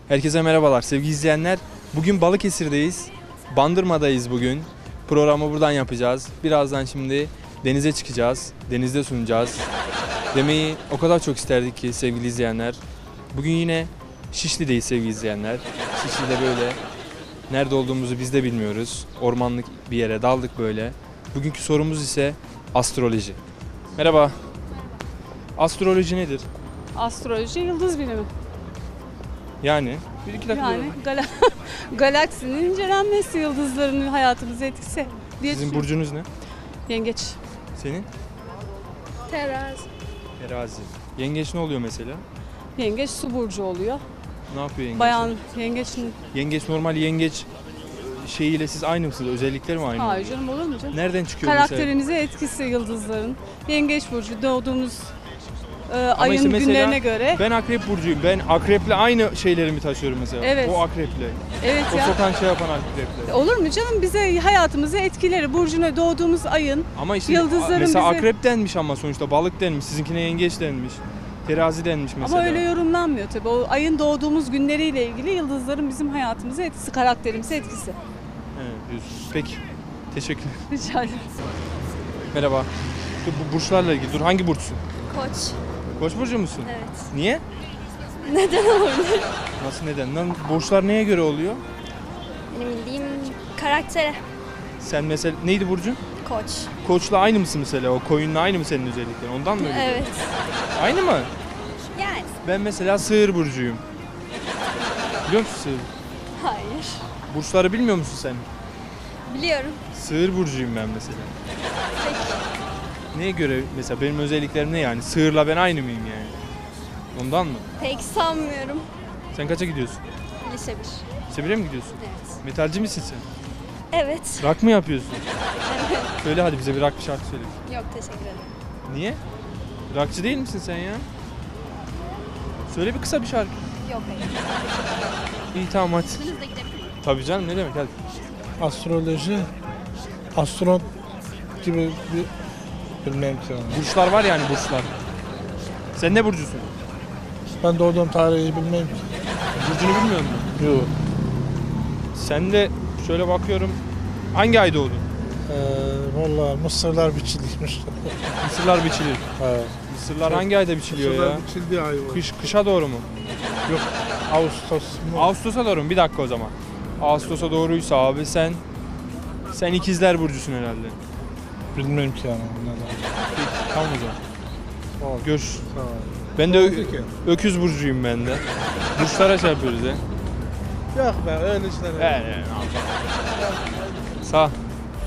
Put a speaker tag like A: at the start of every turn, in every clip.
A: Herkese merhabalar sevgili izleyenler. Bugün Balıkesir'deyiz. Bandırma'dayız bugün. Programı buradan yapacağız. Birazdan şimdi denize çıkacağız. Denizde sunacağız. Demeyi o kadar çok isterdik ki sevgili izleyenler. Bugün yine Şişli'deyiz sevgili izleyenler. Şişli'de böyle nerede olduğumuzu biz de bilmiyoruz. Ormanlık bir yere daldık böyle. Bugünkü sorumuz ise astroloji. Merhaba. Astroloji nedir?
B: Astroloji yıldız bilimi.
A: Yani bir iki dakika.
B: Yani galaksinin incelenmesi, yıldızların hayatımıza etkisi diye
A: Sizin
B: düşünüyorum.
A: burcunuz ne?
B: Yengeç.
A: Senin?
C: Terazi.
A: Terazi. Yengeç ne oluyor mesela?
B: Yengeç su burcu oluyor.
A: Ne yapıyor yengeç?
B: Bayan yengeçin...
A: Yengeç normal yengeç şeyiyle siz aynı mısınız? Özellikleri mi aynı?
B: Hayır canım, olur mu canım?
A: Nereden çıkıyor mesela?
B: Karakterimize etkisi yıldızların. Yengeç burcu doğduğumuz
A: Ama
B: ayın
A: işte mesela
B: günlerine göre.
A: Ben akrep burcuyum. Ben akreple aynı şeylerimi taşıyorum mesela.
B: Evet.
A: O akreple.
B: Evet
A: O
B: ya.
A: sokan şey yapan akreple.
B: Olur mu canım? Bize hayatımızı etkileri. Burcuna doğduğumuz ayın.
A: Ama işte
B: Yıldızların
A: mesela
B: bize-
A: akrep denmiş ama sonuçta balık denmiş. Sizinkine yengeç denmiş. Terazi denmiş mesela.
B: Ama öyle yorumlanmıyor tabii. O ayın doğduğumuz günleriyle ilgili yıldızların bizim hayatımıza etkisi, karakterimize etkisi.
A: Evet, diyorsunuz. Peki. Teşekkür ederim.
B: Rica ederim.
A: Merhaba. Dur, bu burçlarla ilgili. Dur hangi burçsun?
C: Koç.
A: Koç burcu musun?
C: Evet.
A: Niye?
C: Neden olabilir?
A: Nasıl neden? Lan burçlar neye göre oluyor?
C: Benim bildiğim karaktere.
A: Sen mesela neydi burcun?
C: Koç.
A: Koçla aynı mısın mesela? O koyunla aynı mı senin özelliklerin? Ondan mı öyle?
C: Evet.
A: Aynı mı?
C: Yani.
A: Ben mesela sığır burcuyum. Biliyor musun sığır?
C: Hayır.
A: Burçları bilmiyor musun sen?
C: Biliyorum.
A: Sığır burcuyum ben mesela. Neye göre mesela benim özelliklerim ne yani? Sığırla ben aynı mıyım yani? Ondan mı?
C: Pek sanmıyorum.
A: Sen kaça gidiyorsun?
C: Lise 1.
A: Lise 1'e mi gidiyorsun?
C: Evet.
A: Metalci misin sen?
C: Evet.
A: Rock mı yapıyorsun? Söyle hadi bize bir rock bir şarkı söyle.
C: Yok, teşekkür ederim.
A: Niye? Rockçı değil misin sen ya? Söyle bir kısa bir şarkı.
C: Yok, hayır.
A: İyi tamam hadi.
C: Hızla gidebilirim.
A: Tabii canım ne demek hadi.
D: Astroloji, astronot gibi bir bilmem ki yani.
A: Burçlar var yani burçlar. Sen ne burcusun?
D: Ben doğduğum tarihi bilmem ki.
A: Burcunu bilmiyor musun?
D: Yok.
A: Sen de şöyle bakıyorum. Hangi ay doğdun?
D: Valla mısırlar biçiliymiş.
A: Mısırlar biçilir.
D: Evet.
A: Mısırlar hangi ayda biçiliyor ya?
D: biçildiği ay var.
A: Kışa doğru mu?
D: Yok. Ağustos mu?
A: Ağustos'a doğru mu? Bir dakika o zaman. Ağustos'a doğruysa abi sen ikizler burcusun herhalde.
D: Bilmem ki yani. Onlardan.
A: Tamam o zaman.
D: Sağ ol.
A: Görüşürüz.
D: Sağ ol.
A: Ben de
D: Oldu ki.
A: öküz burcuyum ben de. Burçlara şey yapıyoruz ya.
D: Yok be öyle işler.
A: Evet. Sağ ol.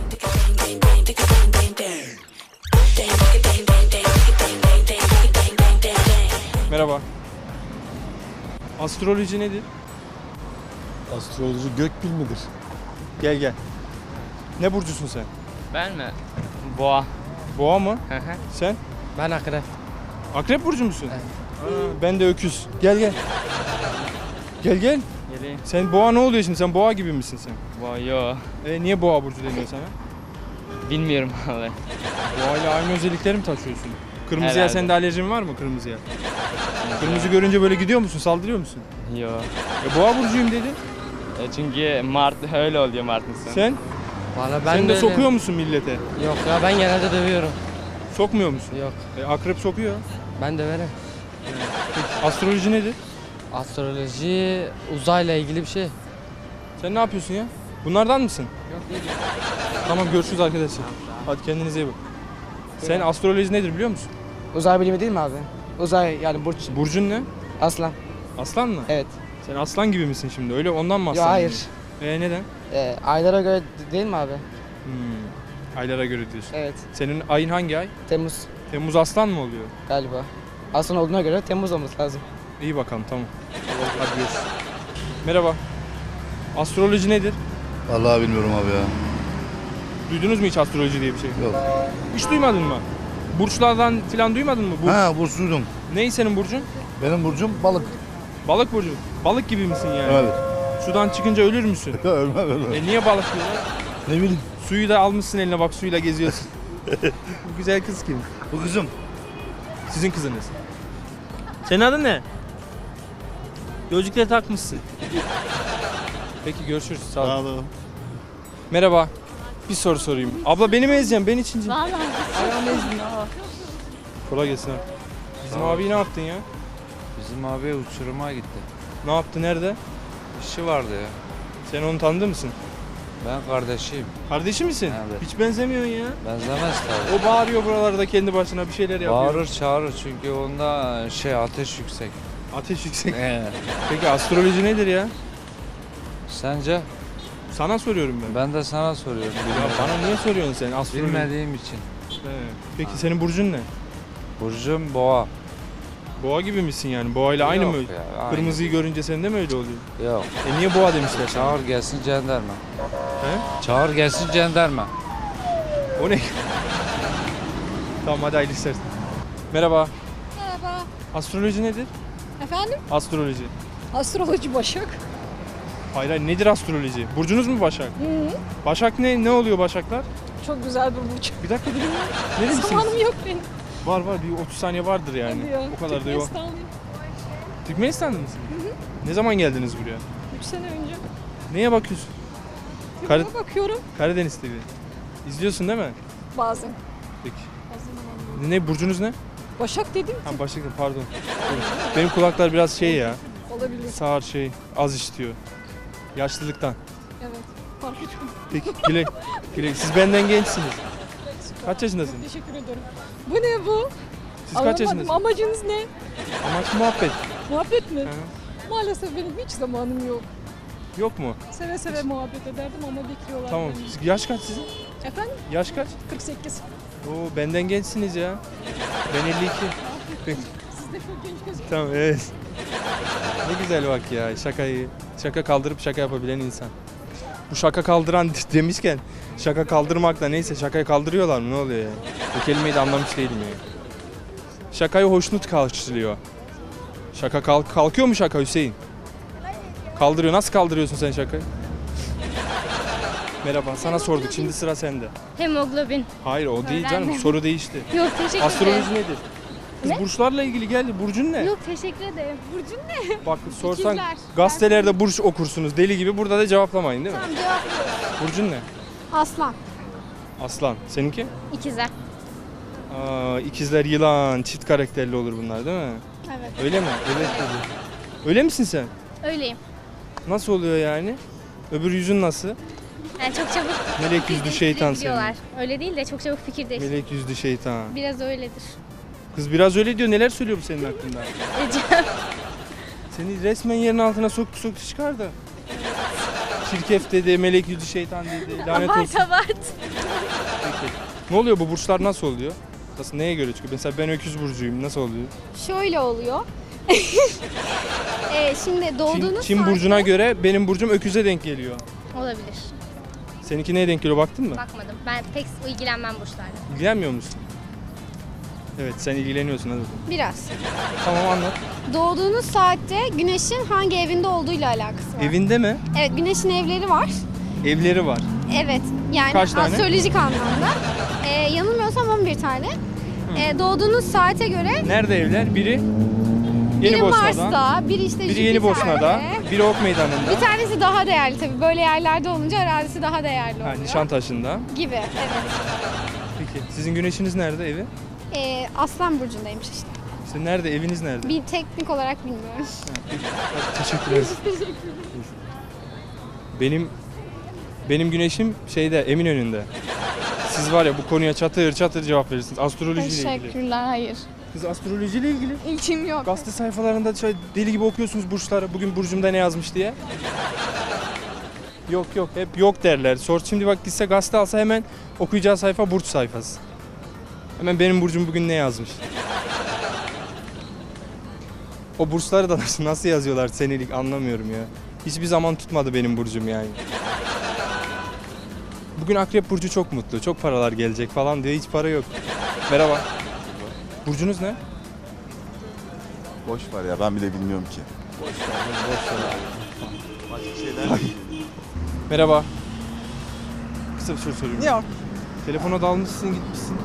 A: Merhaba. Astroloji nedir?
E: Astroloji gökbil midir?
A: Gel. Ne burcusun sen?
F: Ben mi? Boğa.
A: Boğa mı?
F: Hı hı.
A: Sen?
F: Ben akrep.
A: Akrep burcu musun?
F: Evet.
A: Aa, ben de öküz. Gel. Gel.
F: Geleyim.
A: Sen boğa ne oluyor şimdi? Sen boğa gibi misin sen?
F: Boğa yo.
A: Niye boğa burcu deniyor sana?
F: Bilmiyorum vallahi.
A: Boğayla aynı özellikleri mi taşıyorsun? Kırmızıya
F: Herhalde.
A: sende alerjin var mı kırmızıya? Kırmızı görünce böyle gidiyor musun? Saldırıyor musun?
F: Yo.
A: Boğa burcuyum dedin.
F: Çünkü Mart öyle oluyor Mart'ın sonu.
A: Sen?
F: Valla
A: Sen de sokuyor musun millete?
F: Yok ya, ben genelde dövüyorum.
A: Sokmuyor musun?
F: Yok.
A: Akrep sokuyor.
F: Ben döverim.
A: Astroloji nedir?
F: Astroloji uzayla ilgili bir şey.
A: Sen ne yapıyorsun ya? Bunlardan mısın?
F: Yok değil.
A: Tamam görüşürüz arkadaşlar. Hadi kendinize iyi bak. Sen astroloji nedir biliyor musun?
G: Uzay bilimi değil mi abi? Uzay yani burç.
A: Burcun ne?
G: Aslan.
A: Aslan mı?
G: Evet.
A: Sen aslan gibi misin şimdi? Öyle ondan mı
G: Yo,
A: aslan?
G: hayır.
A: Neden?
G: Aylara göre değil mi abi?
A: Aylara göre diyorsun.
G: Evet.
A: Senin ayın hangi ay?
G: Temmuz
A: Temmuz aslan mı oluyor?
G: galiba. Aslan olduğuna göre Temmuz olması lazım.
A: İyi bakalım tamam. Hadi görüşürüz. Merhaba. Astroloji nedir?
E: Vallahi bilmiyorum abi ya.
A: Duydunuz mu hiç astroloji diye bir şey?
E: Yok.
A: Hiç duymadın mı? Burçlardan falan duymadın mı?
E: Ha burç duydum.
A: Ney senin burcun?
E: Benim burcum balık.
A: Balık burcu. Balık gibi misin yani?
E: Evet.
A: Sudan çıkınca ölür müsün?
E: Ölmem.
A: Niye balık diyorlar?
E: Ne bileyim.
A: Suyu da almışsın eline bak suyla geziyorsun. Bu güzel kız kim?
E: Bu kızım.
A: Sizin kızınız. Senin adın ne? Gözlükleri takmışsın. Peki görüşürüz. Sağ ol.
E: Sağ olun.
A: Merhaba. Bir soru sorayım. Abla beni mi ezeceksin? Ben içinci.
C: Vallahi.
A: Ayağımı ezdin ha. Kolay gelsin abi. Bizim abiyi ne yaptın ya?
H: Bizim abi uçuruma gitti.
A: Ne yaptı? Nerede?
H: İşi vardı ya.
A: Sen onu tanıdın mısın?
H: Ben kardeşiyim.
A: Kardeşi misin?
H: Evet.
A: Hiç benzemiyorsun ya.
H: Benzemez tabii.
A: O bağırıyor buralarda kendi başına bir şeyler yapıyor.
H: Bağırır çağırır çünkü onda ateş yüksek.
A: Ateş yüksek. Peki astroloji nedir ya?
H: Sence?
A: Sana soruyorum ben.
H: Ben de sana soruyorum.
A: Ya bana niye soruyorsun sen astroloji?
H: Bilmediğim için.
A: He. Peki senin burcun ne?
H: Burcum boğa.
A: Boğa gibi misin yani? Boğa ile aynı
H: Yok
A: mı?
H: ya, aynı.
A: Kırmızıyı görünce sende mi öyle oluyor?
H: Yok.
A: Niye boğa demişler sana?
H: Çağır gelsin jandarma.
A: He?
H: Çağır gelsin jandarma.
A: O ne? Tamam hadi hayırlı işler. Merhaba.
I: Merhaba.
A: Astroloji nedir?
I: Efendim?
A: Astroloji.
I: Astroloji Başak.
A: Hayır hayır nedir astroloji? Burcunuz mu Başak?
I: Hı.
A: Başak ne? Ne oluyor Başaklar?
I: Çok güzel bir burç.
A: Bir dakika durun ya. Neresiniz?
I: Zamanım yok benim.
A: Var var bir 30 saniye vardır yani.
I: Hadi ya.
A: O kadar da yok.
I: Türkmenistanlıyım.
A: Türkmenistan'da mısın? Ne zaman geldiniz buraya?
I: 3 sene önce.
A: Neye bakıyorsun?
I: Filme bakıyorum
A: Karadeniz TV. İzliyorsun değil mi?
I: bazen.
A: Peki.
I: Bazen.
A: Ne burcunuz ne?
I: Başak dedim
A: Ha
I: ki
A: Başak pardon. Benim kulaklar biraz şey ya.
I: olabilir.
A: Sağır şey az işitiyor. Yaşlılıktan.
I: Evet. Fark ettim.
A: Peki güle güle. Siz benden gençsiniz. Kaç yaşındasınız?
I: Teşekkür ederim. Bu ne bu?
A: Siz kaç
I: Anlamadım.
A: yaşındasınız?
I: Amacınız ne?
A: Amaç muhabbet.
I: Muhabbet mi?
A: Hı.
I: Maalesef benim hiç zamanım yok.
A: Yok mu?
I: Seve seve muhabbet ederdim ama bekliyorlar
A: Tamam.
I: beni.
A: Yaş kaç sizin?
I: Efendim?
A: Yaş kaç?
I: 48.
A: Oo benden gençsiniz ya. Ben 52. Peki.
I: Siz de çok genç gözüküyorsunuz.
A: Tamam evet. Ne güzel bak ya şaka kaldırıp şaka yapabilen insan. Bu şaka kaldıran demişken şaka kaldırmakla neyse şakayı kaldırıyorlar mı ne oluyor ya? Bu kelimeyi de anlamış değilim ya. Şakayı hoşnut karşılıyor. Şaka kalkıyor mu şaka Hüseyin? Kaldırıyor. Nasıl kaldırıyorsun sen şakayı? Merhaba sana sorduk şimdi sıra sende.
C: Hemoglobin.
A: Hayır o değil canım
C: Öğrendim.
A: soru değişti.
C: Yok teşekkür ederim.
A: Astroloji nedir? Kız
C: Ne?
A: burçlarla ilgili geldi. Burcun ne?
C: Yok teşekkür ederim. Burcun ne?
A: Bak sorsan
C: İkizler.
A: gazetelerde burç okursunuz deli gibi. Burada da cevaplamayın değil mi?
C: Tamam cevap.
A: Burcun ne?
C: Aslan.
A: Aslan. Seninki?
C: İkizler.
A: İkizler yılan. Çift karakterli olur bunlar değil mi?
C: Evet.
A: Öyle mi? Evet dedi. Öyle misin sen?
C: Öyleyim.
A: Nasıl oluyor yani? Öbür yüzün nasıl?
C: Yani çok çabuk
A: Melek yüzlü şeytan senin.
C: diyorlar. Öyle değil de çok çabuk fikir değiştiriyor.
A: Melek yüzlü şeytan.
C: Biraz öyledir.
A: Kız biraz öyle diyor. Neler söylüyor bu senin hakkında?
C: Ecem.
A: Seni resmen yerin altına soktu çıkardı. Çirkef dedi, melek yüzlü şeytan dedi. Lanet olsun.
C: Abart.
A: Peki. Ne oluyor bu burçlar nasıl oluyor? Nasıl neye göre çıkıyor? Mesela ben öküz burcuyum. Nasıl oluyor?
C: Şöyle oluyor. Şimdi doğduğunuz
A: Çin burcuna göre benim burcum öküze denk geliyor.
C: olabilir.
A: Seninki neye denk geliyor baktın mı?
C: Bakmadım. Ben pek ilgilenmem burçlarla.
A: İlgilenmiyor musun? Evet sen ilgileniyorsun hadi.
C: Biraz.
A: Tamam anlat.
C: Doğduğunuz saatte güneşin hangi evinde olduğuyla alakası var.
A: Evinde mi?
C: Evet, güneşin evleri var.
A: Evleri var.
C: Evet, yani
A: Kaç tane?
C: astrolojik anlamda. Yanılmıyorsam 11 tane. Doğduğunuz saate göre
A: Nerede evler? Biri
C: biri
A: Yenibosna'da.
C: Mars'ta, biri işte
A: Biri Yenibosna'da.
C: Jüpiter'de.
A: Biri Ok Meydanı'nda.
C: Bir tanesi daha değerli tabii. Böyle yerlerde olunca arazisi daha değerli
A: Ha,
C: oluyor.
A: Nişantaşı'nda.
C: Gibi, evet.
A: Peki sizin güneşiniz nerede evi?
C: Aslan burcundaymış işte.
A: İşte nerede eviniz nerede?
C: Bir teknik olarak bilmiyorum.
A: Teşekkür ederim. Benim güneşim şeyde Eminönü'nde. Siz var ya bu konuya çatır çatır cevap verirsiniz. Astrolojiyle ilgili.
C: hayır.
A: Kız astrolojiyle ilgili.
C: İlçim yok.
A: Gazete sayfalarında şöyle deli gibi okuyorsunuz burçları. Bugün burcumda ne yazmış diye. Yok yok hep yok derler. Şimdi bak gitse gazete alsa hemen okuyacağı sayfa burç sayfası. Hemen benim burcum bugün ne yazmış. O burçları da nasıl yazıyorlar senelik anlamıyorum ya. Hiçbir zaman tutmadı benim burcum yani. Bugün Akrep Burcu çok mutlu. Çok paralar gelecek falan diyor. Hiç para yok. Merhaba. Burcunuz ne?
E: Boş ver ya ben bile bilmiyorum ki.
A: Merhaba. Kısa bir soru soruyorum.
D: Yok.
A: Telefona dalmışsın gitmişsin.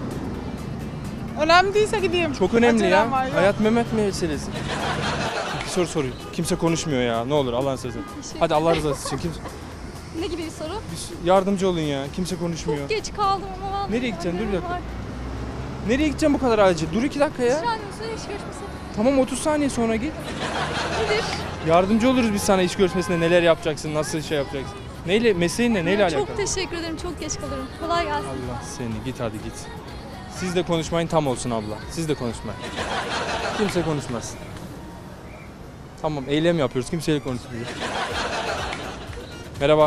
D: Önemli değilse gideyim.
A: Çok önemli
D: Acelem
A: ya.
D: var, yok.
A: Hayat Mehmet meselesi. soru sorayım. Kimse konuşmuyor ya. Ne olur Allah'ın sözü. Hadi Allah rızası için. Kimse...
I: Ne gibi bir soru?
A: Yardımcı olun ya. Kimse konuşmuyor.
I: Geç kaldım ama vallahi.
A: Nereye gideceksin? Dur bir dakika. Nereye gideceğim bu kadar acil? Dur 2 dakika ya.
I: Şu an ulusal iş görüşmesi.
A: Tamam 30 saniye sonra git.
I: Nedir?
A: Yardımcı oluruz biz sana iş görüşmesinde neler yapacaksın, nasıl şey yapacaksın. Neyle, mesleğin ne, neyle alakalı?
I: Çok teşekkür ederim. Çok geç kalırım. Kolay gelsin.
A: Allah seni git hadi git. Siz de konuşmayın tam olsun abla. Siz de konuşmayın. Kimse konuşmasın. Tamam eylem yapıyoruz. Kimseyle konuşmuyor. Merhaba.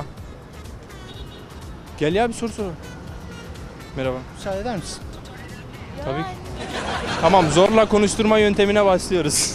A: Gel ya bir soru sor. Merhaba.
D: Müsaade eder misin?
A: Tabii ki. Tamam zorla konuşturma yöntemine başlıyoruz.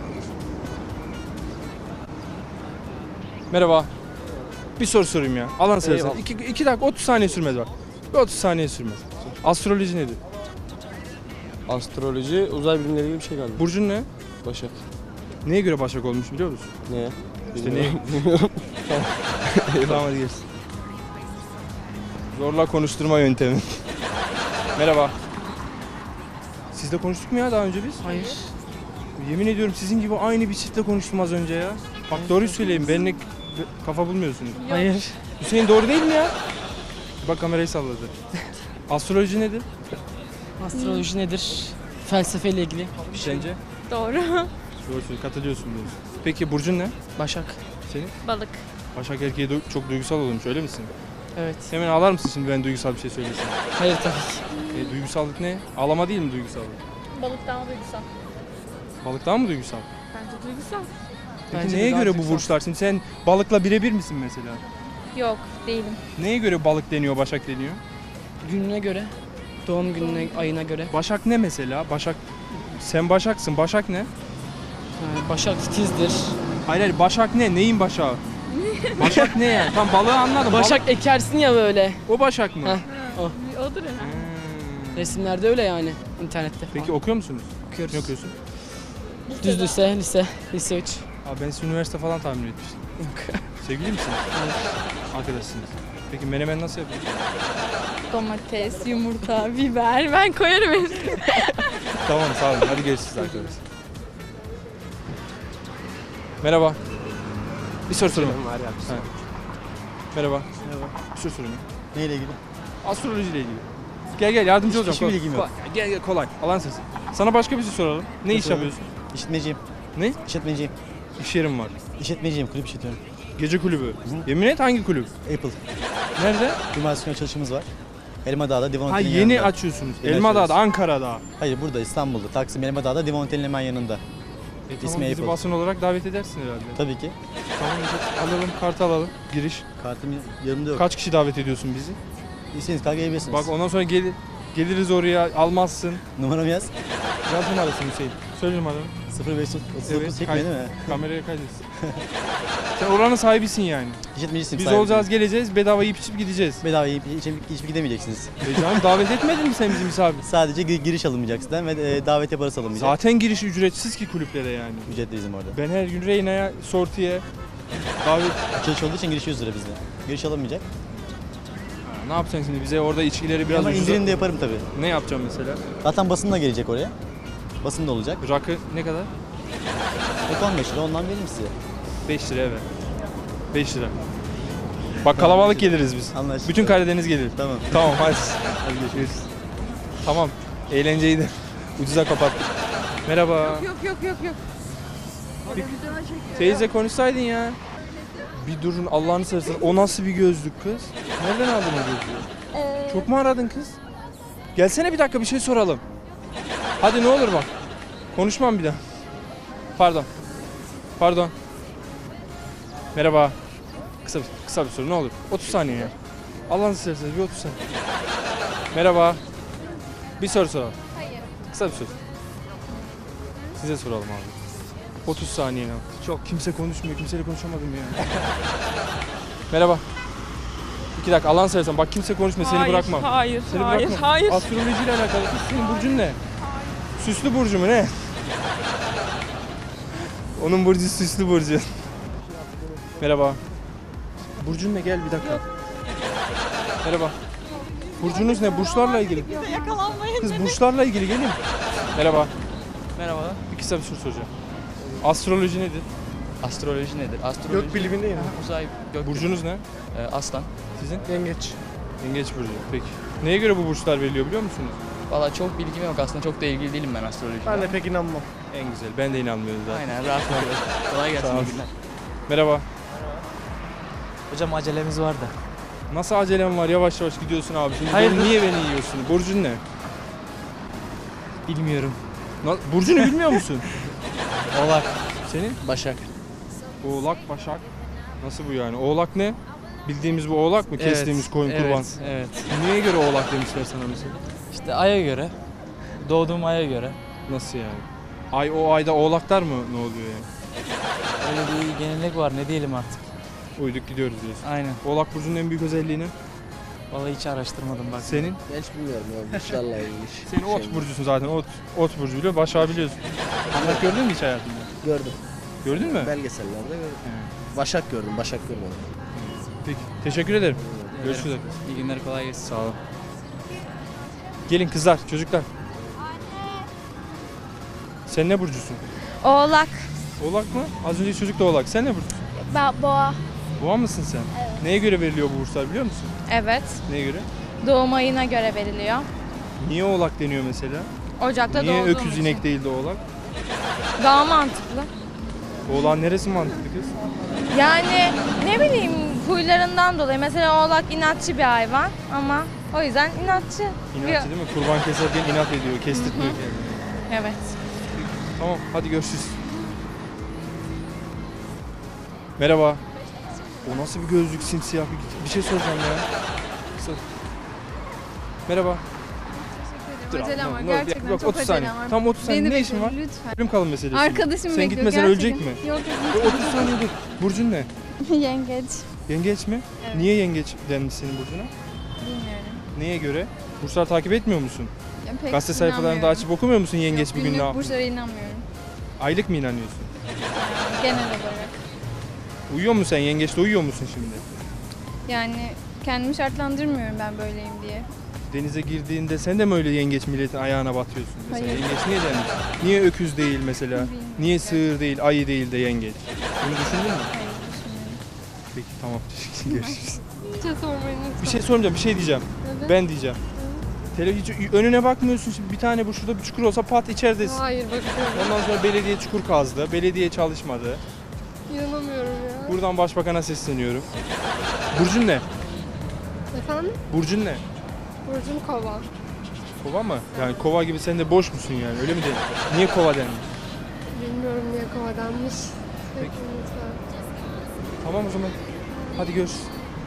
A: Merhaba. Bir soru sorayım ya. Alan sırası. 2 dakika 30 saniye sürmez bak. Bir 30 saniye sürmez. Astroloji nedir?
J: Astroloji uzay bilimleri gibi bir şey galiba.
A: Burcun ne?
J: Başak.
A: Neye göre Başak olmuş biliyor musun?
J: Neye?
A: İşte neye? Tamam hadi gelsin. Zorla konuşturma yöntemi. Merhaba. Sizle konuştuk mu ya daha önce biz?
G: Hayır.
A: Yemin ediyorum sizin gibi aynı bir çiftle konuştum az önce ya. Bak doğruyu söyleyeyim benimle kafa bulmuyorsunuz.
G: Hayır.
A: Hüseyin doğru değil mi ya? Bak kamerayı salladı. Astroloji nedir?
G: Astroloji nedir? Felsefeyle ilgili.
A: Sence?
I: Doğru.
A: Doğru söylüyorsun, katılıyorsun diyorsun. Peki burcun ne?
G: Başak.
A: Senin?
I: Balık.
A: Başak erkeği çok duygusal olmuş öyle misin?
G: Evet.
A: Hemen ağlar mısın şimdi ben duygusal bir şey söylesem?
G: Hayır tabii ki.
A: Duygusallık ne? Ağlama değil mi duygusallık?
I: Balık daha duygusal.
A: Balık daha mı duygusal?
I: Bence duygusal.
A: Peki
G: Bence de
A: neye
G: daha
A: göre bu
G: duygusal.
A: burçlar? Şimdi sen balıkla birebir misin mesela?
I: Yok, değilim.
A: Neye göre balık deniyor, başak deniyor?
G: Gününe göre, doğum gününe, ayına göre.
A: Başak ne mesela? Başak, sen başaksın. Başak ne?
G: Başak titizdir.
A: Hayır hayır, başak ne? Neyin başağı? Başak ne yani? Tam balığı anladım.
G: Başak ekersin ya böyle.
A: Balık- o başak mı?
G: Heh.
I: Odur herhalde.
G: Resimlerde öyle yani. İnternette
A: Peki
G: falan.
A: okuyor musunuz?
G: Okuyoruz.
A: Ne okuyorsun?
G: Düz lise 3.
A: Abi ben size üniversite falan tahmin etmiştim. Sevgili misiniz? Arkadaşsınız. Peki menemen nasıl yapıyorsun?
I: Domates, yumurta, biber. Ben koyarım hepsini.
A: Tamam sağ olun. Hadi görüşürüz arkadaşlar. Merhaba. Bir soru sorayım. Ha. Merhaba. Bir soru sorayım.
E: Neyle ilgili?
A: Astroloji ile ilgili. Gel yardımcı olacağım.
E: Hiçbir bilgim yok.
A: Gel kolay. Allah'ın sesi. Sana başka bir şey soralım. Ne iş
E: Soralım.
A: yapıyorsun?
E: İşletmeciyim.
A: Ne?
E: İşletmeciyim.
A: İş yerim var.
E: İşletmeciyim. Kulüp işletiyorum.
A: Gece kulübü. Yemin et hangi kulüp?
E: Apple.
A: Nerede?
E: Cumartesi günü çalışımız var. Elmadağ'da Divan
A: Ha
E: Oteli'nin
A: yeni
E: yanında.
A: açıyorsunuz.
E: Yeni
A: Elmadağ'da,
E: açıyoruz.
A: Ankara'da.
E: Hayır burada İstanbul'da. Taksim Elmadağ'da Divan Oteli'nin hemen yanında.
A: Tamam,
E: İsmi
A: bizi
E: Apple.
A: basın olarak davet edersin herhalde.
E: Tabii ki.
A: Tamam alalım, kart alalım. Giriş.
E: Kartım yanımda yok.
A: Kaç kişi davet ediyorsun bizi?
E: İstediğiniz kadar gelebilirsiniz.
A: Bak ondan sonra geliriz oraya, almazsın.
E: Numaramı yaz.
A: Yaz numarasını Hüseyin. Söyle numaranı.
E: 0539
A: Evet,
E: çekmiyor değil mi?
A: Kameraya kaydetsin. Sen oranın sahibisin yani.
E: İşletmecisiyim.
A: Biz
E: sahibi.
A: olacağız, geleceğiz, bedava yiyip içip gideceğiz.
E: Bedava yiyip hiçbir gidemeyeceksiniz.
A: Canım davet etmedin mi sen bizi misafir?
E: Sadece giriş alınmayacaksın ve davetiye parası alınmayacak.
A: Zaten giriş ücretsiz ki kulüplere yani.
E: Ücretli bizim orada.
A: Ben her gün Reyna'ya, Sorti'ye davet...
E: Açılış olduğu için giriş 100 lira bizde. Giriş alınmayacak.
A: Ne yapacaksın şimdi? Bize orada içkileri biraz
E: Ama
A: ucuza-
E: indirim de yaparım tabii.
A: Ne yapacağım mesela?
E: Zaten basın da gelecek oraya. Basın da olacak.
A: Rakı ne kadar?
E: 15 lira ondan veririm size.
A: 5 lira evet. 5 lira. Bak kalabalık geliriz biz.
E: Anlaştık.
A: Bütün Karadeniz gelir.
E: Tamam.
A: Tamam hadi. Hadi görüşürüz. Tamam. Eğlenceyi de ucuza kapattık. Merhaba.
I: Yok.
A: Teyze konuşsaydın ya. Bir durun Allah'ını seversen. O nasıl bir gözlük kız? Nereden aldın o gözlüğü? Çok mu aradın kız? Gelsene bir dakika bir şey soralım. Hadi ne olur bak. Konuşmam bir daha. Pardon. Merhaba. Kısa bir soru ne olur. 30 saniye ya. Allah'ını seversen bir 30 saniye. Merhaba. Bir soru soralım.
C: Hayır.
A: Kısa bir soru. Size soralım abi. 30 saniye. Çok kimse konuşmuyor. Kimseyle konuşamadım ya. Merhaba. 2 dakika Allah'ını seversen bak kimse konuşmuyor seni bırakmam.
I: Hayır,
A: Seni
I: hayır,
A: bırakmam.
I: hayır.
A: Astrolojiyle alakalı. Kız senin burcun ne? Süslü burcu mu ne? Onun burcu süslü burcu. Merhaba. Burcun ne? Gel bir dakika. Merhaba. Burcunuz ne? Burçlarla ilgili.
I: Yakalanmayın.
A: Kız burçlarla ilgili gelin. Merhaba. Merhaba. Bir kısa bir soru soracağım. Astroloji nedir?
F: Astroloji nedir? Astroloji...
J: Gök bilimindeyim.
F: Uzay, gök
A: Burcunuz ne?
F: Aslan.
A: Sizin?
J: Yengeç.
A: Yengeç burcu. Peki. Neye göre bu burçlar veriliyor biliyor musunuz?
F: Valla çok bilgim yok aslında. Çok da ilgili değilim ben astrolojiye.
J: Ben de pek inanmam.
A: En güzel. Ben de inanmıyorum zaten.
F: Aynen rahat ol. Kolay gelsin.
A: Sağ ol.
F: iyi günler.
A: Merhaba.
G: Hocam acelemiz var da.
A: Nasıl acelem var? Yavaş yavaş gidiyorsun abi. Şimdi
G: Hayır.
A: niye beni yiyorsun? Burcun ne?
G: Bilmiyorum.
A: Burcunu bilmiyor musun?
G: Oğlak.
A: Senin?
G: Başak.
A: Oğlak, Başak. Nasıl bu yani? Oğlak ne? Bildiğimiz bu oğlak mı? Kestiğimiz koyun kurban.
G: Evet.
A: Niye göre oğlak demişler sana mesela?
G: İşte aya göre. Doğduğum aya göre.
A: Nasıl yani? Ay o ayda oğlaklar mı ne oluyor yani?
G: Öyle bir gelenek var ne diyelim artık.
A: Uyduk gidiyoruz diyorsun.
G: Aynen.
A: Oğlak burcunun en büyük özelliği ne?
G: Vallahi hiç araştırmadım bak.
A: Senin?
J: Hiç bilmiyorum ya. İnşallah ilginç.
A: Senin ot burcusun zaten. Ot burcu biliyor. Başak'ı biliyorsun. Oğlak gördün mü hiç hayatında?
J: Gördüm.
A: Gördün mü?
J: Belgesellerde gördüm. Başak gördüm. Başak görmedim.
A: Peki. Teşekkür ederim. Görüşürüz.
F: İyi günler, kolay gelsin.
A: Sağ olun. Gelin kızlar, çocuklar. Sen ne burcusun?
I: Oğlak.
A: Oğlak mı? Az önceki çocuk da oğlak. Sen ne burcusun?
I: Boğa.
A: Boğa mısın sen? Evet. Neye göre veriliyor bu burslar biliyor musun?
I: Evet.
A: Neye göre?
I: Doğum ayına göre veriliyor.
A: Niye oğlak deniyor mesela?
I: Ocak'ta
A: Niye
I: doğduğum
A: öküz
I: için.
A: inek değil de oğlak?
I: Daha mantıklı.
A: Oğlağın neresi mantıklı kız?
I: Yani ne bileyim huylarından dolayı. Mesela oğlak inatçı bir hayvan ama o yüzden inatçı.
A: İnatçı değil mi? Kurban keserken inat ediyor, kestirtmiyor kendini.
I: Evet.
A: Tamam, hadi görüşürüz. Merhaba. O nasıl bir gözlük simsiyah bir şey soracağım ya. Merhaba. Dur,
I: Acelem
A: ne-
I: var,
A: ne-
I: gerçekten
A: yok,
I: çok
A: 30 saniye.
I: acelem var.
A: Tam 30 saniye.
I: Beni
A: Ne işin var?
I: bekleyin lütfen.
A: Ölüm kalım meselesi.
I: Arkadaşım
A: Sen
I: bekliyor
A: gitmesen
I: gerçekten.
A: ölecek mi?
I: Yok
A: E, 30 saniye dur. Burcun ne?
I: Yengeç.
A: Yengeç mi?
I: Evet.
A: Niye yengeç denmiş senin burcuna?
I: Bilmiyorum.
A: Neye göre? Burçlar takip etmiyor musun?
I: Yani pek
A: Gazete sayfalarında
I: inanmıyorum.
A: açıp okumuyor musun yengeç
I: Yok,
A: bugün ne
I: günlük
A: yapmış?
I: burçlara inanmıyorum.
A: Aylık mı inanıyorsun?
I: Genel olarak.
A: Uyuyor musun sen? Yengeçte uyuyor musun şimdi?
I: Yani kendimi şartlandırmıyorum ben böyleyim diye.
A: Denize girdiğinde sen de mi öyle yengeç milletin ayağına batıyorsun? Mesela
I: Hayır.
A: yengeç niye denmiş? Niye öküz değil mesela?
I: Bilmiyorum.
A: Niye sığır değil, ayı değil de yengeç? Bunu düşündün mü?
I: Hayır düşünmüyorum.
A: Peki tamam teşekkür görüşürüz.
I: Bir şey sormayın lütfen.
A: Bir şey sormayacağım, bir şey diyeceğim.
I: Evet.
A: Ben diyeceğim. Hiç önüne bakmıyorsun şimdi bir tane bu şurada bir çukur olsa pat içeridesin.
I: Hayır bakıyorum.
A: Ondan sonra belediye çukur kazdı, belediye çalışmadı.
I: İnanamıyorum ya.
A: Buradan başbakana sesleniyorum. Burcun ne?
I: Efendim?
A: Burcun ne?
I: Burcum kova.
A: Kova mı? Yani kova gibi sen de boş musun yani öyle mi denir? Niye kova denmiş?
I: Bilmiyorum niye kova denmiş.
A: Peki. Tamam o zaman. Hadi görüşürüz.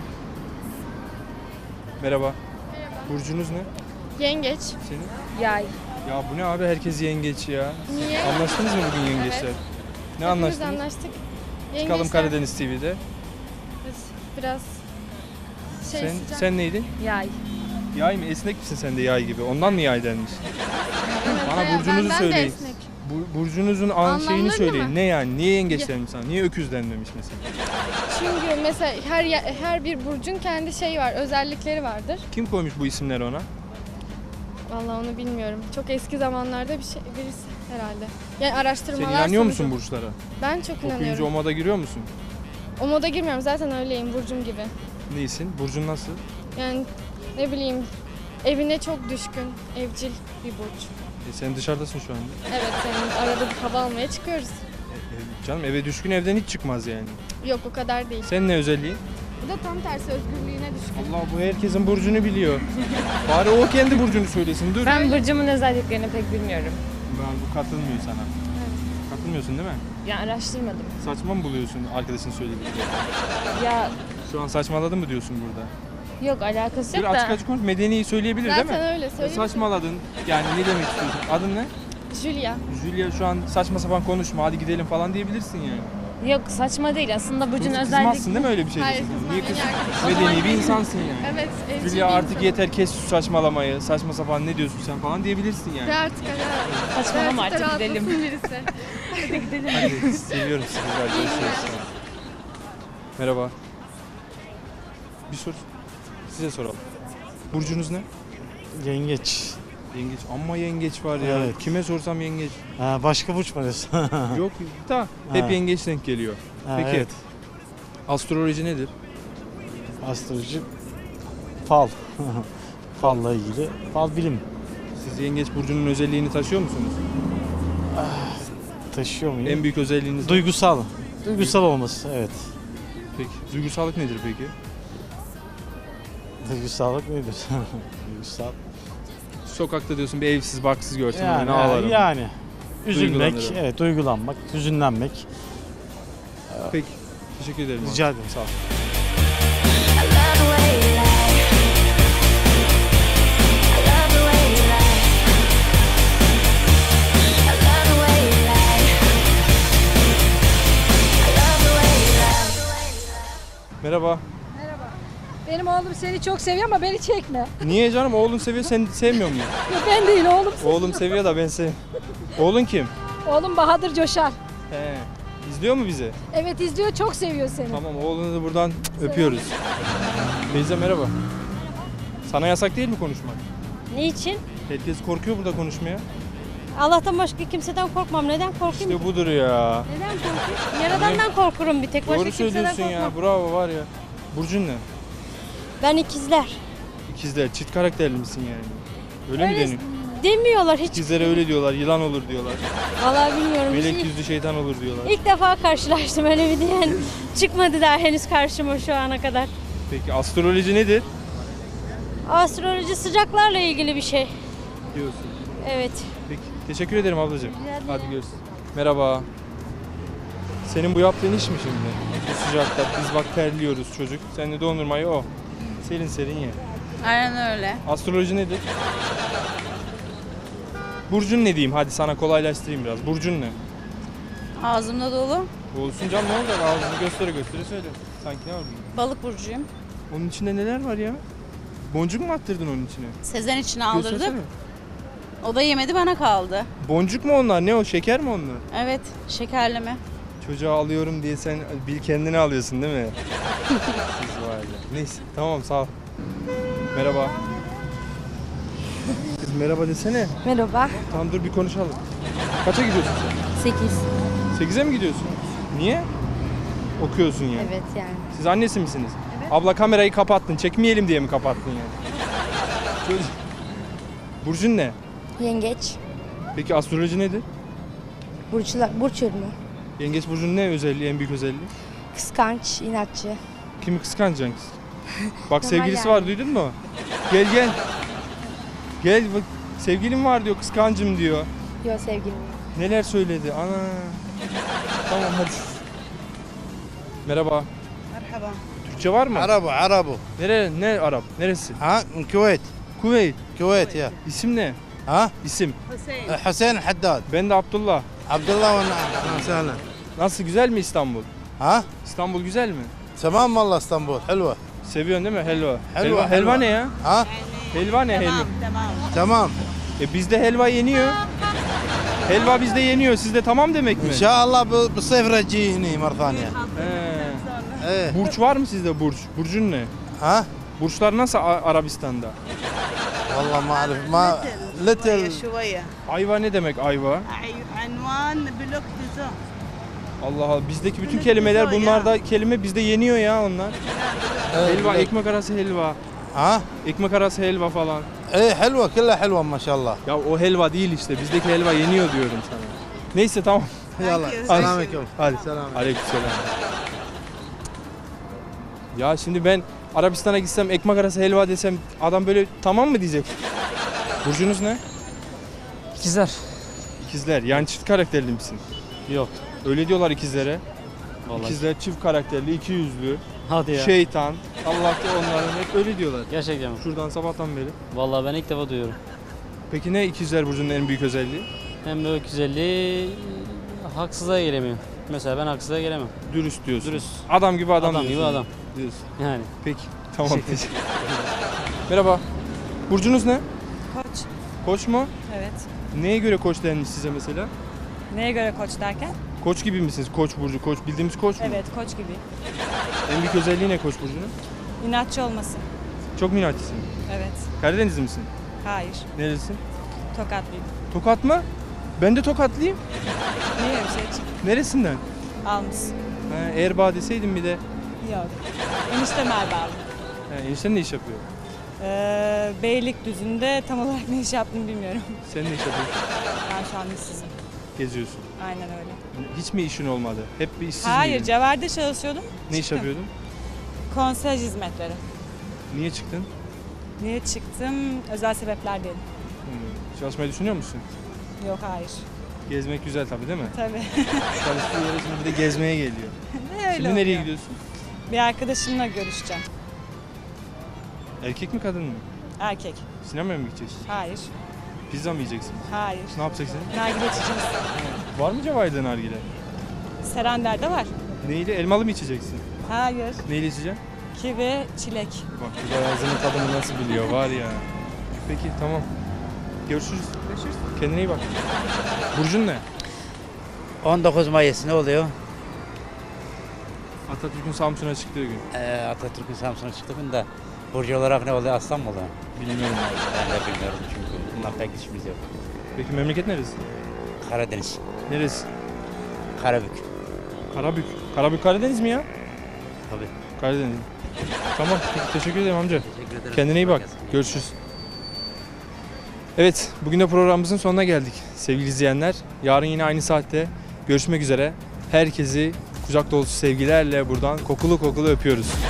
A: Merhaba. Burcunuz ne?
I: Yengeç.
A: Senin?
I: Yay.
A: Ya bu ne abi herkes yengeç ya.
I: Niye?
A: Anlaştınız mı bugün yengeçler?
I: Evet.
A: Ne anlaştınız?
I: anlaştık.
A: Çıkalım Karadeniz TV'de.
I: Biraz
A: Sen neydin?
I: Yay.
A: Yay mı? Esnek misin sen de yay gibi? Ondan mı yay denmiş? Bana burcunuzu söyleyin. Burcunuzun şeyini
I: Anlamları
A: söyleyin.
I: mı?
A: Ne yani? Niye yengeç denmiş sana? Niye öküz denmemiş mesela?
I: Çünkü mesela her bir burcun kendi şeyi var, özellikleri vardır.
A: Kim koymuş bu isimleri ona?
I: Vallahi onu bilmiyorum. Çok eski zamanlarda birisi herhalde. Yani araştırmalar
A: Sen inanıyor
I: sonucu.
A: musun burçlara?
I: Ben çok
A: Okuyunca
I: inanıyorum.
A: o moda giriyor musun?
I: O moda girmiyorum. Zaten öyleyim burcum gibi.
A: Neysin? Burcun nasıl?
I: Yani ne bileyim evine çok düşkün, evcil bir burç.
A: Sen dışarıdasın şu anda.
I: Evet, senin arada bir hava almaya çıkıyoruz.
A: Canım eve düşkün evden hiç çıkmaz yani.
I: Yok o kadar değil.
A: Sen ne özelliğin?
I: Bu da tam tersi özgürlüğüne düşkün.
A: Allah bu herkesin burcunu biliyor. Bari o kendi burcunu söylesin. Dur.
I: Ben burcumun özelliklerini pek bilmiyorum.
A: Bu katılmıyor sana. Katılmıyorsun değil mi?
I: Ya araştırmadım.
A: Saçma mı buluyorsun arkadaşın söylediğini?
I: Ya
A: Şu an saçmaladın mı diyorsun burada?
I: yok alakası
A: Bir
I: yok
A: açık
I: da.
A: açık konuş. Medeni söyleyebilir değil mi?
I: Zaten öyle söyleyeyim.
A: Saçmaladın. Yani ne demek istiyorsun? Adın ne?
I: Julia.
A: Julia şu an saçma sapan konuşma hadi gidelim falan diyebilirsin yani.
I: Yok saçma değil aslında burcun
A: Kızmazsın değil mi öyle bir şey?
I: Hayır,
A: diyorsun?
I: kızmam.
A: Niye kız?
I: O zaman
A: Medeni bir insansın yani.
I: Evet, evcil
A: Julia
I: bir
A: artık
I: insanım.
A: yeter kes şu saçmalamayı. Saçma sapan ne diyorsun sen falan diyebilirsin yani.
I: Artık saçmalama artık gidelim. Birisi. Hadi gidelim.
A: Hadi seviyorum sizi. Görüşürüz. Merhaba. Bir soru. Size soralım. Burcunuz ne?
J: Yengeç.
A: Yengeç. Amma yengeç var ya.
D: Evet.
A: Kime sorsam yengeç.
D: Ha, başka burç var ya.
A: Yok da hep
D: Ha.
A: yengeç denk geliyor. Peki.
D: Evet.
A: Astroloji nedir?
D: Astroloji fal. Falla ilgili. Fal bilim.
A: Siz yengeç burcunun özelliğini taşıyor musunuz?
D: Taşıyor muyum?
A: En büyük özelliğiniz ne?
D: Duygusal. Duygusal olması, evet.
A: Peki. Duygusallık nedir peki?
D: Duygusallık nedir? Duygusal.
A: Sokakta diyorsun bir evsiz barksız görsem ne ağlarım.
D: Yani. Üzülmek,
A: Duygulanırım.
D: evet, duygulanmak, hüzünlenmek.
A: Peki. Teşekkür ederim. abi.
D: Rica ederim, sağ ol.
A: Merhaba.
K: Benim oğlum seni çok seviyor ama beni çekme.
A: Niye canım? Oğlun seviyor, sen sevmiyor musun?
K: Ben değil oğlum.
A: Oğlum seviyor da ben sev. Oğlun kim?
K: Oğlum Bahadır Coşar.
A: He. İzliyor mu bizi?
K: Evet izliyor, çok seviyor seni.
A: Tamam, oğlunu da buradan öpüyoruz. Teyze merhaba. Sana yasak değil mi konuşmak?
K: Niçin?
A: Herkes korkuyor burada konuşmaya.
K: Allah'tan başka kimseden korkmam. Neden korkayım?
A: İşte budur ya.
K: Neden korkayım? Yaradan'dan korkurum bir tek. Başka
A: Doğru
K: kimseden
A: söylüyorsun
K: korkmam.
A: ya. Bravo var ya. Burcun ne?
K: Ben ikizler.
A: İkizler. Çift karakterli misin yani? Öyle mi
K: Öyle
A: deniyor?
K: demiyorlar hiç.
A: İkizlere öyle diyorlar. Yılan olur diyorlar.
K: Vallahi bilmiyorum.
A: Melek yüzlü şeytan olur diyorlar.
K: İlk defa karşılaştım öyle bir diyen. Çıkmadı daha henüz karşıma şu ana kadar.
A: Peki astroloji nedir?
K: Astroloji sıcaklarla ilgili bir şey.
A: Diyorsun.
K: Evet.
A: Peki. Teşekkür ederim ablacığım. Hadi görüşürüz. Merhaba. Senin bu yaptığın iş mi şimdi? Bu sıcakta biz bak terliyoruz çocuk. Sen de dondurmayı o. Serin serin ye.
B: Aynen öyle.
A: Astroloji nedir? Burcun ne diyeyim? Hadi sana kolaylaştırayım biraz. Burcun ne?
B: Ağzımda dolu.
A: Olsun canım, ne olacak? Ağzını göstere göstere söyle. Sanki ne var bunda?
B: Balık burcuyum.
A: Onun içinde neler var ya? Boncuk mu attırdın onun içine?
B: Sezen için
A: Göstersene.
B: O da yemedi, bana kaldı.
A: Boncuk mu onlar? Ne o? Şeker mi onlar?
B: Evet, şekerleme.
A: Çocuğa alıyorum diye sen bil kendini alıyorsun değil mi? Siz var ya. Neyse tamam sağ ol. Merhaba. Kız merhaba desene.
K: Merhaba.
A: Tamam dur bir konuşalım. Kaça gidiyorsun sen?
K: 8.
A: 8'e mi gidiyorsun? Niye? Okuyorsun yani.
K: Evet yani.
A: Siz annesi misiniz? Evet. Abla kamerayı kapattın. Çekmeyelim diye mi kapattın yani? Çocuk. Burcun ne?
K: Yengeç.
A: Peki astroloji nedir?
K: Burç yorumu.
A: Yengeç burcunun ne özelliği, en büyük özelliği?
K: Kıskanç, inatçı.
A: Kimi kıskanacaksın kız? Bak
K: Normal
A: sevgilisi
K: yani.
A: var, duydun mu? Gel gel. Gel bak, sevgilim var diyor, kıskancım diyor.
K: Yok sevgilim.
A: Neler söyledi ana. Tamam hadi. Merhaba.
J: Merhaba.
A: Türkçe var mı?
J: Arabu.
A: Ne Arap? Neresi?
J: Ha, Kuveyt.
A: Kuveyt.
J: Kuveyt ya.
A: İsim ne?
J: Ha?
A: İsim.
J: Hüseyin Haddad.
A: Ben de Abdullah.
J: Abdullah ve na'am. Sahlen.
A: Nasıl, güzel mi İstanbul?
J: Ha?
A: İstanbul güzel mi?
J: Tamam والله İstanbul. Helva.
A: Seviyorsun değil mi? Helva.
J: Helva,
A: Helva ne ya?
J: Ha?
A: Helva ne helva?
J: Tamam.
A: Bizde helva yeniyor. Helva bizde yeniyor. Sizde tamam demek mi?
J: ان شاء الله بالصيف رجي هني مره ثانيه.
A: He. Burç var mı sizde burç? Burcun ne?
J: ها؟
A: Burçlar nasıl Arabistan'da?
J: والله ما اعرف ما ليتل.
L: شوية
A: Ayva ne demek ayva?
L: عنوان بلوك ديزو
A: Allah Allah, bizdeki bütün kelimeler, bunlarda kelime bizde yeniyor ya onlar. Helva, ekmek arası helva.
J: ها؟
A: Ekmek arası helva falan.
J: ايه حلوه كلها حلوه ما شاء الله.
A: Ya o helva değil işte, bizdeki helva yeniyor diyorum sana. Neyse tamam.
J: يلا
L: you.
J: السلام عليكم.
A: Hadi.
J: Selam.
A: Aleykümselam. Ya şimdi ben Arabistan'a gitsem, ekmek arası helva desem adam böyle tamam mı diyecek? Burcunuz ne?
F: İkizler.
A: İkizler. Yani çift karakterli misin?
F: Yok.
A: Öyle diyorlar ikizlere.
F: Vallahi.
A: İkizler çift karakterli, iki yüzlü,
F: Hadi ya.
A: şeytan. Allah da onların hep öyle diyorlar.
F: Gerçekten mi?
A: Şuradan sabahtan beri.
F: Vallahi ben ilk defa duyuyorum.
A: Peki ne ikizler burcunun en büyük özelliği?
F: Hem böyle güzelliği haksızlığa gelemiyor. Mesela ben haksızlığa gelemem.
A: Dürüst diyorsun.
F: Dürüst.
A: Adam gibi adam
F: Adam gibi
A: diyorsun.
F: adam.
A: Diyorsun.
F: Yani.
A: Peki. Tamam. Merhaba. Burcunuz ne?
B: Koç.
A: Koç mu?
B: Evet.
A: Neye göre koç denmiş size mesela?
B: Neye göre koç derken?
A: Koç gibi misiniz? Koç burcu, koç. Bildiğimiz koç mu?
B: Evet, koç gibi.
A: En büyük özelliği ne koç burcunun?
B: İnatçı olması.
A: Çok mu inatçısın?
B: Evet.
A: Karadenizli misin?
B: Hayır.
A: Nerelisin?
I: Tokatlıyım.
A: Tokat mı? Ben de Tokatlıyım.
I: Niye bir şey çıktı?
A: Neresinden?
I: Almış.
A: Ha, Erbaa deseydin bir de.
I: Yok. Eniştem Erbağlı.
A: Ha, enişten ne iş yapıyor?
I: Beylikdüzü'nde tam olarak ne iş yaptığını bilmiyorum.
A: Sen ne iş yapıyorsun?
I: Ben şu an işsizim.
A: Geziyorsun.
I: Aynen öyle.
A: Hiç mi işin olmadı? Hep bir işsiz
I: Hayır,
A: miydin?
I: Cevher'de çalışıyordum.
A: Ne iş
I: Çıktım.
A: yapıyordun?
I: Konsej hizmetleri.
A: Niye çıktın?
I: Niye çıktım? Özel sebepler değil.
A: Çalışmayı düşünüyor musun?
I: Yok, hayır.
A: Gezmek güzel tabii değil mi?
I: Tabii.
A: Çalıştığı yere şimdi bir de gezmeye geliyor.
I: Öyle
A: Şimdi nereye
I: oluyor.
A: gidiyorsun?
I: Bir arkadaşımla görüşeceğim.
A: Erkek mi kadın mı?
I: Erkek.
A: Sinemaya mı gideceksin?
I: Hayır.
A: Pizza mı yiyeceksin?
I: Hayır.
A: Ne yapacaksın?
I: Nargile içeceğiz.
A: Var mı Cevahir'de nargile?
I: Serenler'de var.
A: Neyle? Elmalı mı içeceksin?
I: Hayır.
A: Neyle içeceksin?
I: Kivi, çilek.
A: Bak bu da ağzının tadını nasıl biliyor var ya. Peki tamam. Görüşürüz. Görüşürüz. Kendine iyi bak. Burcun ne?
M: 19 Mayıs ne oluyor?
A: Atatürk'ün Samsun'a çıktığı gün.
M: Atatürk'ün Samsun'a çıktığı gün de burcu olarak ne oluyor? Aslan mı oluyor?
A: Bilmiyorum.
M: Ben de bilmiyorum çünkü bundan pek işimiz yok.
A: Peki memleket neresi?
M: Karadeniz,
A: Neresi?
M: Karabük.
A: Karabük. Karabük Karadeniz mi ya?
M: Tabii.
A: Karadeniz. Tamam. Peki, teşekkür ederim amca.
M: Teşekkür ederim.
A: Kendine iyi bak. Görüşürüz. Evet, bugün de programımızın sonuna geldik sevgili izleyenler. Yarın yine aynı saatte görüşmek üzere. Herkesi kucak dolusu sevgilerle buradan kokulu kokulu öpüyoruz.